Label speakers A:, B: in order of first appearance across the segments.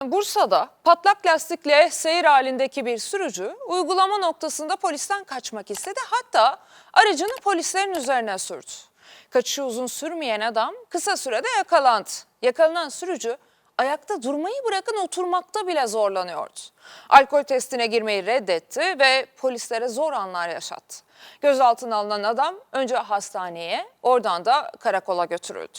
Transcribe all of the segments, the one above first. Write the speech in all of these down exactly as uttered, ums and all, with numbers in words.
A: Bursa'da patlak lastikle seyir halindeki bir sürücü uygulama noktasında polisten kaçmak istedi. Hatta aracını polislerin üzerine sürdü. Kaçışı uzun sürmeyen adam kısa sürede yakalandı. Yakalanan sürücü ayakta durmayı bırakın oturmakta bile zorlanıyordu. Alkol testine girmeyi reddetti ve polislere zor anlar yaşattı. Gözaltına alınan adam önce hastaneye, oradan da karakola götürüldü.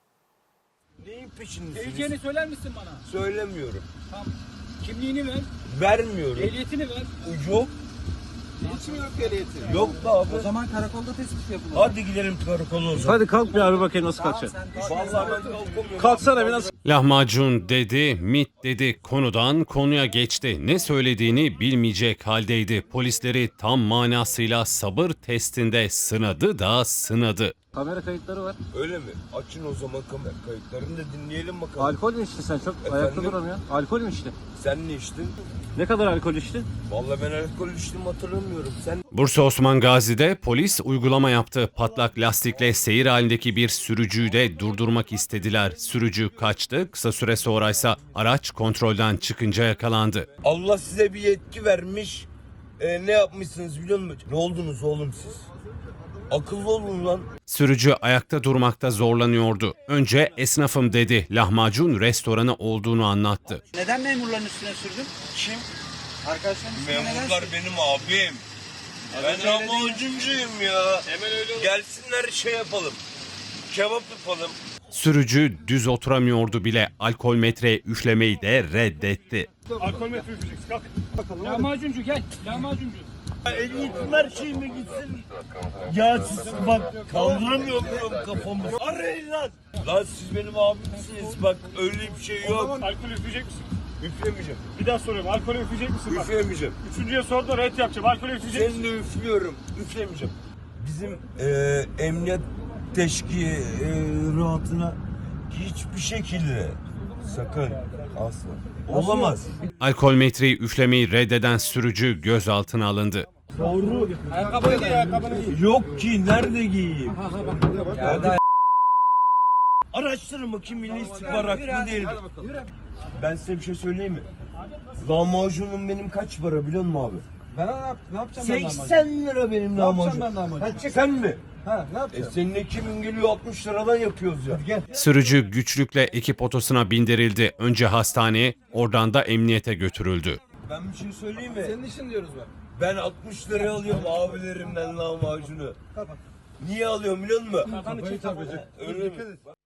B: Neyin peşindesiniz?
C: Geleceğini söyler misin bana?
B: Söylemiyorum.
C: Tamam. Kimliğini ver.
B: Vermiyorum.
C: Ehliyetini ver.
B: Yok.
C: Hiç mi yok ehliyeti?
B: Yok da abi.
C: O zaman karakolda tespit yapılır.
B: Hadi gidelim karakola o zaman.
D: Hadi kalk bir abi bakayım nasıl kaçacaksın.
B: Vallahi ben kalkamıyorum.
D: Kalksana bir nasıl?
E: Lahmacun dedi, mit dedi, konudan konuya geçti. Ne söylediğini bilmeyecek haldeydi. Polisleri tam manasıyla sabır testinde sınadı da sınadı.
D: Kamera kayıtları var.
B: Öyle mi? Açın o zaman kamera kayıtlarını da dinleyelim bakalım.
D: Alkol mü içtin sen? Çok
B: Efendim?
D: ayakta duramıyorsun. Alkol mü içtin?
B: Sen ne içtin?
D: Ne kadar alkol içtin?
B: Vallahi ben alkol içtim hatırlamıyorum. Sen
E: Bursa Osman Gazi'de polis uygulama yaptı. Patlak lastikle seyir halindeki bir sürücüyü de durdurmak istediler. Sürücü kaçtı. Kısa süre sonraysa araç kontrolden çıkınca yakalandı.
B: Allah size bir yetki vermiş. Ee, ne yapmışsınız biliyor musun? Ne oldunuz oğlum siz? Akıllı olun lan.
E: Sürücü ayakta durmakta zorlanıyordu. Önce esnafım dedi. Lahmacun restoranı olduğunu anlattı.
C: Neden memurların üstüne sürdün?
B: Kim?
C: Arkadaşların üstüne neden
B: Memurlar
C: sürdün?
B: benim abim. Ben lahmacuncuyum ya. Hemen öyle gelsinler şey yapalım. Kebap yapalım.
E: Sürücü düz oturamıyordu bile. Alkol metre üflemeyi de reddetti.
F: Alkol metre üfleyeceksin. Kalk. Bakalım.
C: Lahmacuncu gel. Lahmacuncu.
B: Ehliyetim her şeyime gitsin. Ya siz bak kaldıramıyorum kafamı. Arayın lan. Lan siz benim abimsiniz bak öyle bir şey
F: O
B: yok.
F: zaman alkol üfleyecek misin?
B: Üflemeyeceğim.
F: Bir daha soruyorum. Alkol üfleyecek misin? Bak.
B: Üflemeyeceğim.
F: Üçüncüye sordun red yapacağım. Alkol üfleyecek misin?
B: Seni de üflüyorum. Üflemeyeceğim. Bizim eee emniyet teşkilatına hiçbir şekilde sakın asla olamaz.
E: Alkol metreyi üflemeyi reddeden sürücü gözaltına alındı.
B: Doğru.
C: Ayakkabıyı giy, ayakkabını giy.
B: Yok ki nerede giyeyim? Araştırın bakayım Milli İstihbarat mı değil mi? Ben size bir şey söyleyeyim mi? Lahmacunum benim kaç para biliyor musun abi?
C: Ben ne, yap, ne yapacağım ben lahmacun?
B: seksen lira benim lahmacun.
C: ben lahmacun?
B: Sen mi?
C: Ha ne
B: E
C: yapacağım?
B: senin ekibin geliyor altmış liradan yapıyoruz ya.
C: Gel.
E: Sürücü güçlükle ekip otosuna bindirildi. Önce hastaneye, oradan da emniyete götürüldü.
B: Ben bir şey söyleyeyim mi?
C: Senin işin diyoruz bak.
B: Ben altmış liraya alıyorum abilerimden lahmacunu. Niye alıyorum biliyor musun?
C: Kafayı çarpacak.
B: Öyle mi?